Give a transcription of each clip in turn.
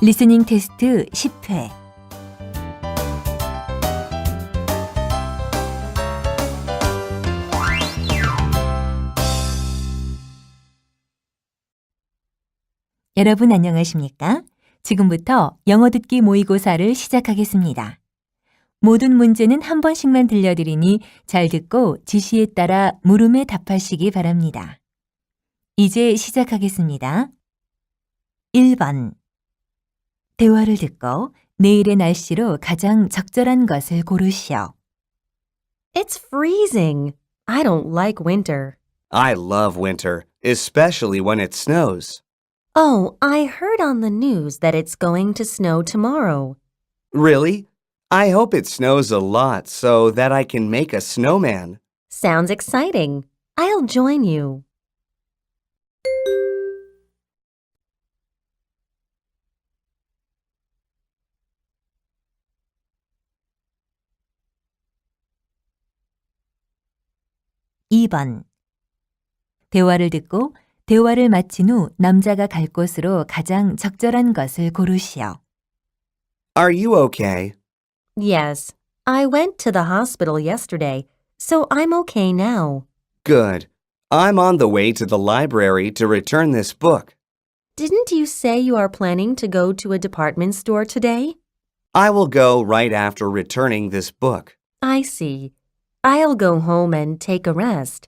리스닝 테스트 10회. 여러분 안녕하십니까? 지금부터 영어 듣기 모의고사를 시작하겠습니다. 모든 문제는 한 번씩만 들려드리니 잘 듣고 지시에 따라 물음에 답하시기 바랍니다. 이제 시작하겠습니다. 1번. 대화를 듣고 내일의 날씨로 가장 적절한 것을 고르시오. It's freezing. I don't like winter. I love winter, especially when it snows. Oh, I heard on the news that it's going to snow tomorrow. Really? I hope it snows a lot so that I can make a snowman. Sounds exciting. I'll join you. (2번) 대화를 듣고 대화를 마친 후 남자가 갈 곳으로 가장 적절한 것을 고르시오. Are you okay? Yes, I went to the hospital yesterday, so I'm okay now. Good. I'm on the way to the library to return this book. Didn't you say you are planning to go to a department store today? I will go right after returning this book. I see. I'll go home and take a rest.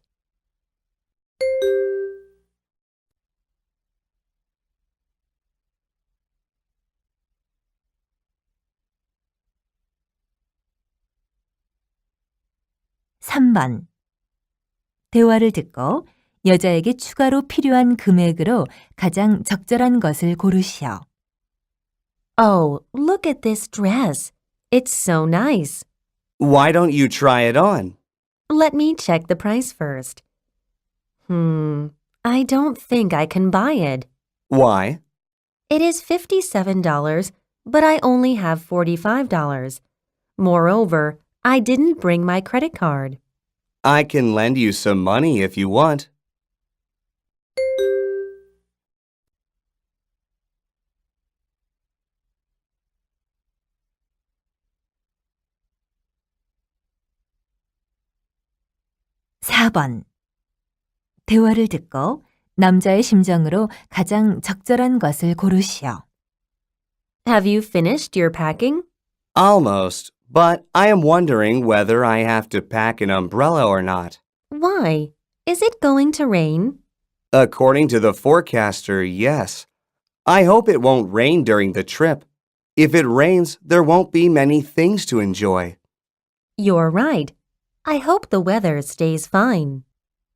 (3번) 대화를 듣고 여자에게 추가로 필요한 금액으로 가장 적절한 것을 고르시오. Oh, look at this dress. It's so nice. Why don't you try it on? Let me check the price first. I don't think I can buy it. Why? It is $57, but I only have $45. Moreover, I didn't bring my credit card. I can lend you some money if you want. (4번) 대화를 듣고 남자의 심정으로 가장 적절한 것을 고르시오. Have you finished your packing? Almost, but I am wondering whether I have to pack an umbrella or not. Why? Is it going to rain? According to the forecaster, yes. I hope it won't rain during the trip. If it rains, there won't be many things to enjoy. You're right. I hope the weather stays fine.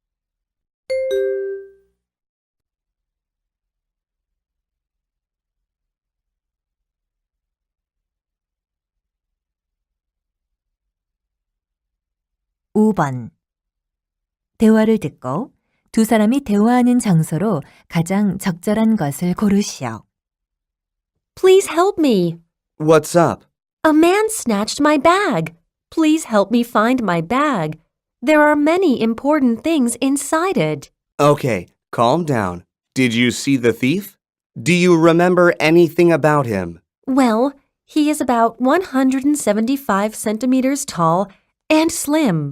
(5번) 대화를 듣고 두 사람이 대화하는 장소로 가장 적절한 것을 고르시오. Please help me. What's up? A man snatched my bag. Please help me find my bag. There are many important things inside it. Okay, calm down. Did you see the thief? Do you remember anything about him? Well, he is about 175 centimeters tall and slim.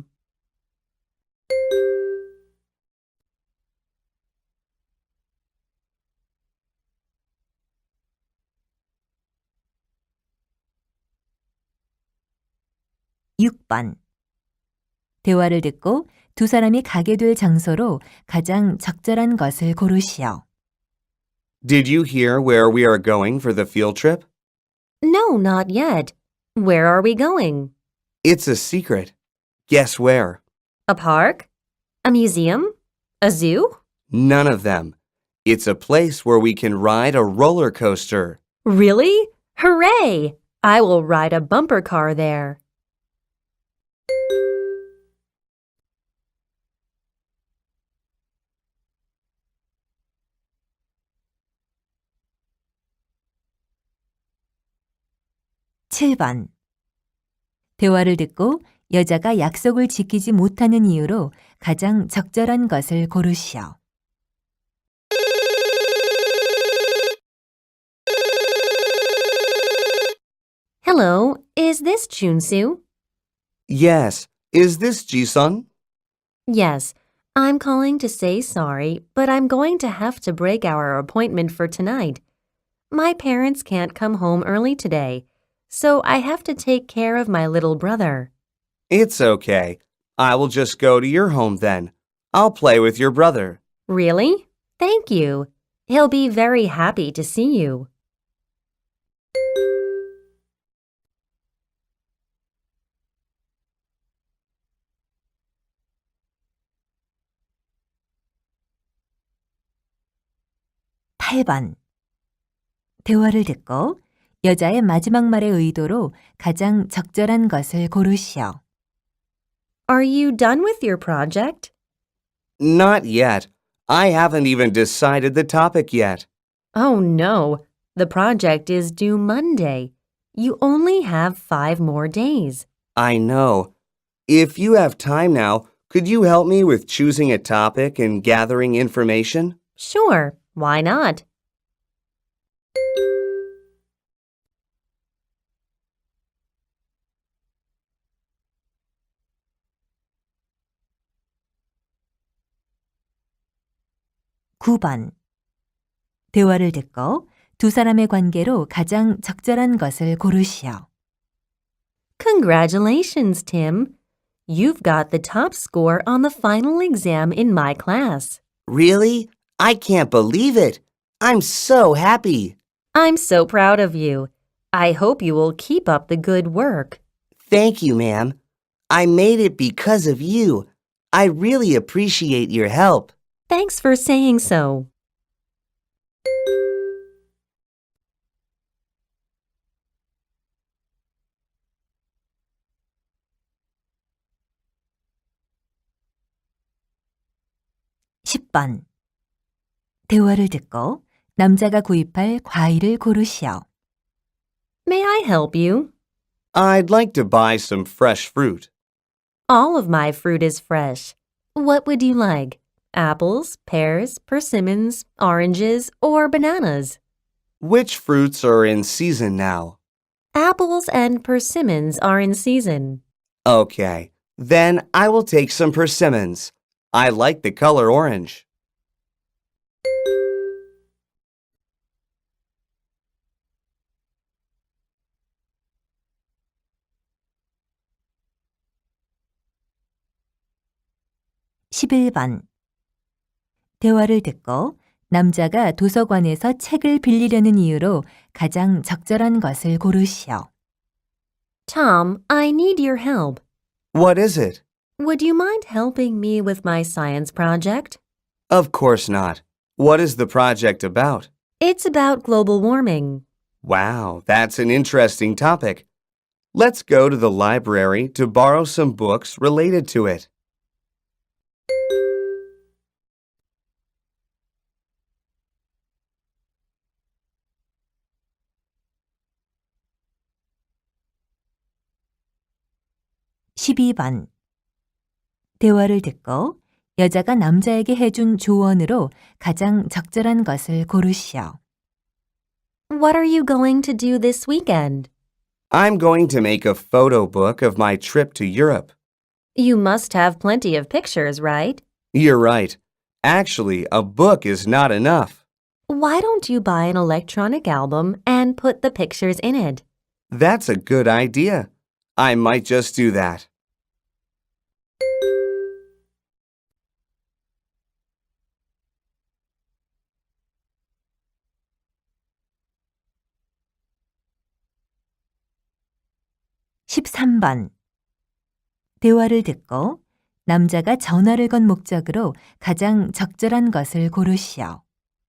(6번) 대화를 듣고 두 사람이 가게 될 장소로 가장 적절한 것을 고르시오. Did you hear where we are going for the field trip? No, not yet. Where are we going? It's a secret. Guess where? A park? A museum? A zoo? None of them. It's a place where we can ride a roller coaster. Really? Hooray! I will ride a bumper car there. (7번) 대화를 듣고 여자가 약속을 지키지 못하는 이유로 가장 적절한 것을 고르시오. Hello, is this Junsu? Yes. Is this Jisun? Yes, I'm calling to say sorry, but I'm going to have to break our appointment for tonight. My parents can't come home early today, so I have to take care of my little brother. It's okay. I will just go to your home then. I'll play with your brother. Really? Thank you. He'll be very happy to see you. 팔번 대화를 듣고 여자의 마지막 말의 의도로 가장 적절한 것을 고르시오. Are you done with your project? Not yet. I haven't even decided the topic yet. Oh no, the project is due Monday. You only have 5 more days. I know. If you have time now, could you help me with choosing a topic and gathering information? Sure, why not? 구 번 대화를 듣고 두 사람의 관계로 가장 적절한 것을 고르시오. Congratulations, Tim. You've got the top score on the final exam in my class. Really? I can't believe it. I'm so happy. I'm so proud of you. I hope you will keep up the good work. Thank you, ma'am. I made it because of you. I really appreciate your help. Thanks for saying so. 십 번 대화를 듣고 남자가 구입할 과일을 고르시오. May I help you? I'd like to buy some fresh fruit. All of my fruit is fresh. What would you like? Apples, pears, persimmons, oranges, or bananas? Which fruits are in season now? Apples and persimmons are in season. Okay, then I will take some persimmons. I like the color orange. 십일 번 대화를 듣고 남자가 도서관에서 책을 빌리려는 이유로 가장 적절한 것을 고르시오. Tom, I need your help. What is it? Would you mind helping me with my science project? Of course not. What is the project about? It's about global warming. Wow, that's an interesting topic. Let's go to the library to borrow some books related to it. 십이 번 대화를 듣고 여자가 남자에게 해준 조언으로 가장 적절한 것을 고르시오. What are you going to do this weekend? I'm going to make a photo book of my trip to Europe. You must have plenty of pictures, right? You're right. Actually, a book is not enough. Why don't you buy an electronic album and put the pictures in it? That's a good idea. I might just do that. 십삼 번 대화를 듣고 남자가 전화를 건 목적으로 가장 적절한 것을 고르시오.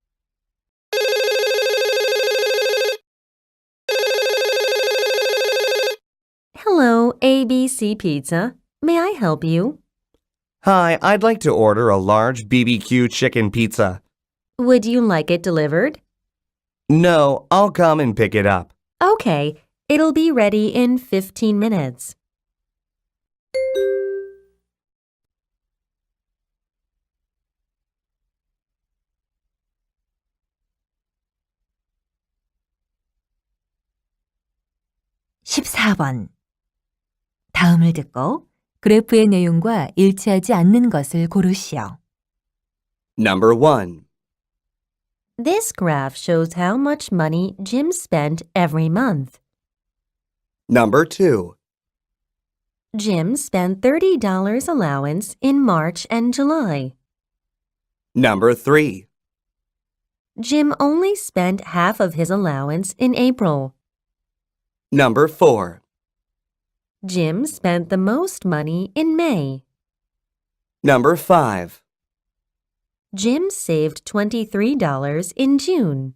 Hello, ABC Pizza. May I help you? Hi, I'd like to order a large BBQ chicken pizza. Would you like it delivered? No, I'll come and pick it up. Okay, it'll be ready in 15 minutes. 14번. 다음을 듣고 그래프의 내용과 일치하지 않는 것을 고르시오. Number 1. This graph shows how much money Jim spent every month. Number 2. Jim spent $30 allowance in March and July. Number 3. Jim only spent half of his allowance in April. Number 4. Jim spent the most money in May. Number 5. Jim saved $23 in June.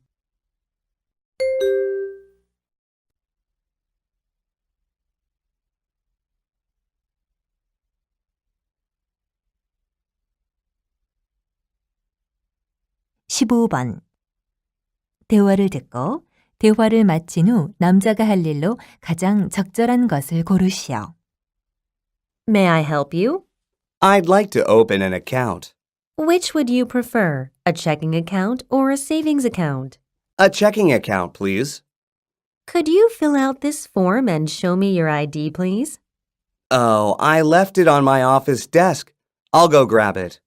(15번) 대화를 듣고 대화를 마친 후 남자가 할 일로 가장 적절한 것을 고르시오. May I help you? I'd like to open an account. Which would you prefer, a checking account or a savings account? A checking account, please. Could you fill out this form and show me your ID, please? Oh, I left it on my office desk. I'll go grab it.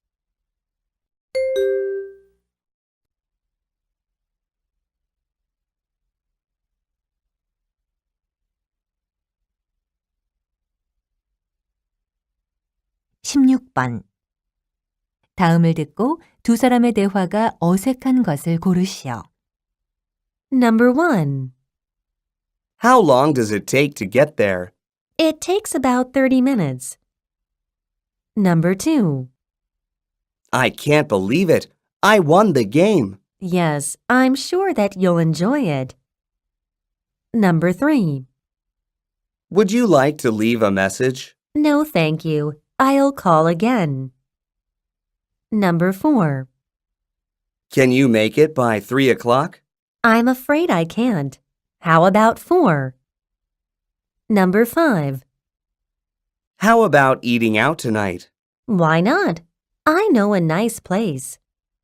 (16번) 다음을 듣고 두 사람의 대화가 어색한 것을 고르시오. Number 1. How long does it take to get there? It takes about 30 minutes. Number 2. I can't believe it. I won the game. Yes, I'm sure that you'll enjoy it. Number 3. Would you like to leave a message? No, thank you. I'll call again. Number 4. Can you make it by 3 o'clock? I'm afraid I can't. How about 4? Number 5. How about eating out tonight? Why not? I know a nice place.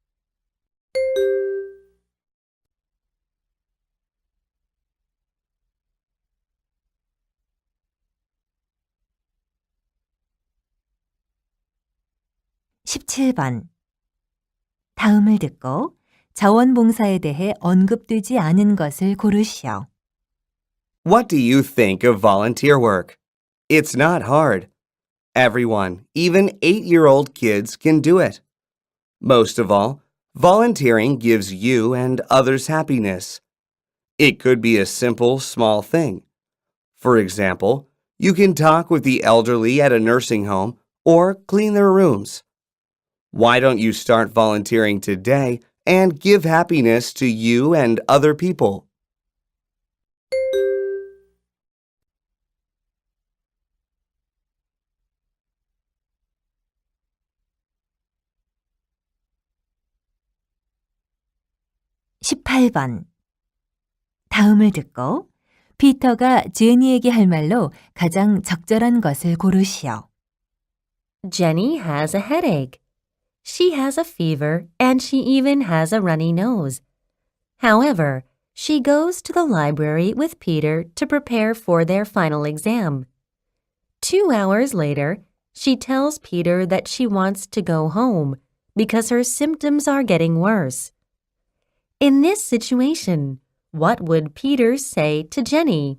(17번) 다음을 듣고 자원봉사에 대해 언급되지 않은 것을 고르시오. What do you think of volunteer work? It's not hard. Everyone, even 8-year-old kids, can do it. Most of all, volunteering gives you and others happiness. It could be a simple, small thing. For example, you can talk with the elderly at a nursing home or clean their rooms. Why don't you start volunteering today and give happiness to you and other people? (18번) 다음을 듣고 피터가 제니에게 할 말로 가장 적절한 것을 고르시오. Jenny has a headache. She has a fever and she even has a runny nose. However, she goes to the library with Peter to prepare for their final exam. 2 hours later, she tells Peter that she wants to go home because her symptoms are getting worse. In this situation, what would Peter say to Jenny?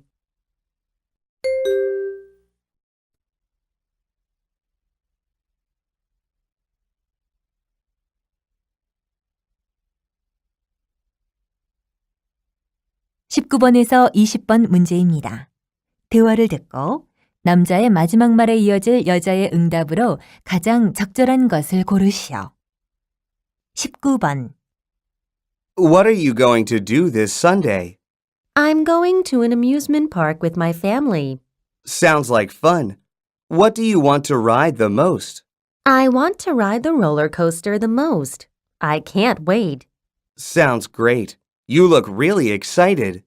(19번에서 20번) 문제입니다. 대화를 듣고 남자의 마지막 말에 이어질 여자의 응답으로 가장 적절한 것을 고르시오. (19번) What are you going to do this Sunday? I'm going to an amusement park with my family. Sounds like fun. What do you want to ride the most? I want to ride the roller coaster the most. I can't wait. Sounds great. You look really excited.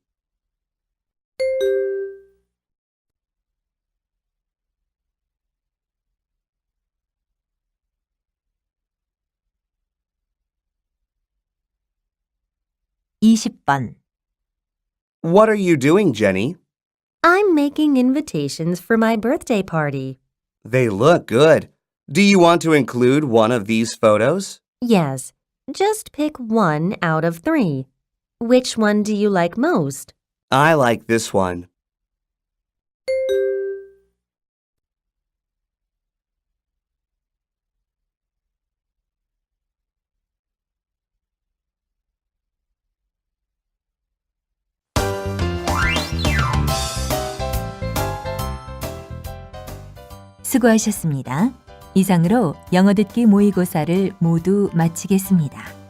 (20번) What are you doing, Jenny? I'm making invitations for my birthday party. They look good. Do you want to include one of these photos? Yes, just pick one out of 3. Which one do you like most? I like this one. 수고하셨습니다. 이상으로 영어 듣기 모의고사를 모두 마치겠습니다.